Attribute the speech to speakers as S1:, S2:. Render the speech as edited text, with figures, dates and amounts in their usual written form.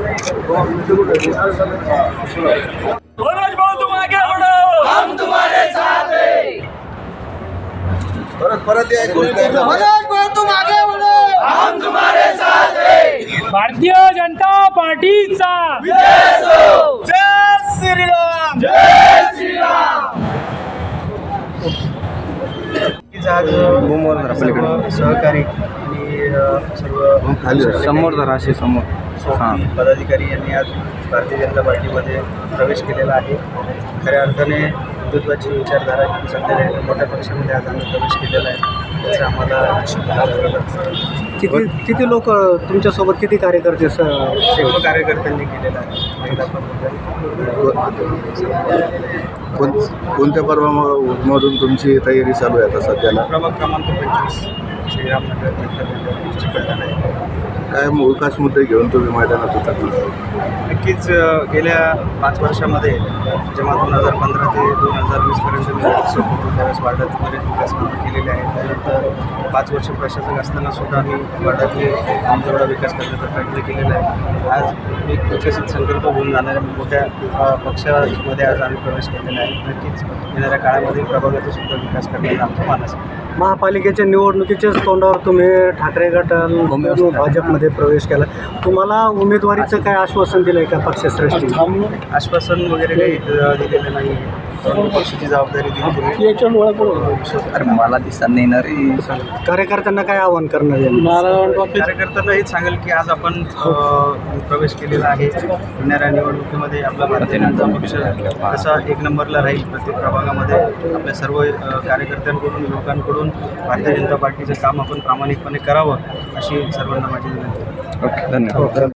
S1: मनोज भाऊ तुम आगे बढ़ो, हम तुम्हारे साथ हैं।
S2: परत या
S1: मनोज भाऊ तुम आगे बढ़ो, हम तुम्हारे साथ हैं। भारतीय जनता पार्टीचा विजय असो। जय श्रीराम, जय श्रीराम।
S3: आज सर्व सहकारी आणि सर्व
S2: समोर जराशे समोर
S3: पदाधिकारी यांनी आज भारतीय जनता पार्टीमध्ये प्रवेश केलेला आहे. खऱ्या अर्थाने हिंदुत्वाची विचारधारा सध्या मोठ्या पक्षामध्ये आज आम्ही प्रवेश केलेला आहे. त्याचा आम्हाला
S4: किती लोक तुमच्यासोबत, किती कार्यकर्ते
S3: सर्व कार्यकर्त्यांनी केलेला आहे. महिला
S2: कोणत्या पर्वामधून तुमची तयारी चालू आहे आता सध्याला?
S3: प्रभाग क्रमांक 25 श्रीरामनगर चिकलठाणा आहे.
S2: काय विकास मुद्दे घेऊन तुम्ही मैदानात उतरला?
S3: नक्कीच गेल्या 5 वर्षामध्ये जेव्हा 2015 ते 2020पर्यंत मी सोबत होतो त्यावेळेस वार्डात बरेच विकास कामं केलेले आहेत. त्यानंतर 5 वर्ष प्रशासक असताना सुद्धा आम्ही वार्डातले आमच्याकडा विकास करण्याचा प्रयत्न केलेला आहे. आज एक विकसित संकल्प घेऊन जाणाऱ्या मोठ्या पक्षामध्ये आज आम्ही प्रवेश केलेला आहे. नक्कीच येणाऱ्या काळामध्ये प्रभागाचा सुद्धा विकास करण्याचा आमचा मानस आहे.
S4: महापालिकेच्या निवडणुकीच्याच तोंडावर तुम्ही ठाकरे गटाला भाजपमध्ये प्रवेश केला. तुम्हाला उमेदवारीचं काय आश्वासन दिलं आहे का पक्षश्रेष्ठी?
S3: आश्वासन वगैरे काही दिलेलं नाही. पक्षाची जबाबदारी दिली तुम्ही.
S5: मला दिसत नाही ना रे.
S4: कार्यकर्त्यांना काय आवाहन करणार आहे?
S3: कार्यकर्त्यांना हेच सांगेल की आज आपण प्रवेश केलेला आहे. येणाऱ्या निवडणुकीमध्ये आपला भारतीय जनता पक्ष कसा 1 नंबरला राहील प्रत्येक प्रभागामध्ये. आपल्या सर्व कार्यकर्त्यांकडून लोकांकडून भारतीय जनता पार्टीचं काम आपण प्रामाणिकपणे करावं अशी सर्वांना माझी विनंती.
S5: ओके, धन्यवाद.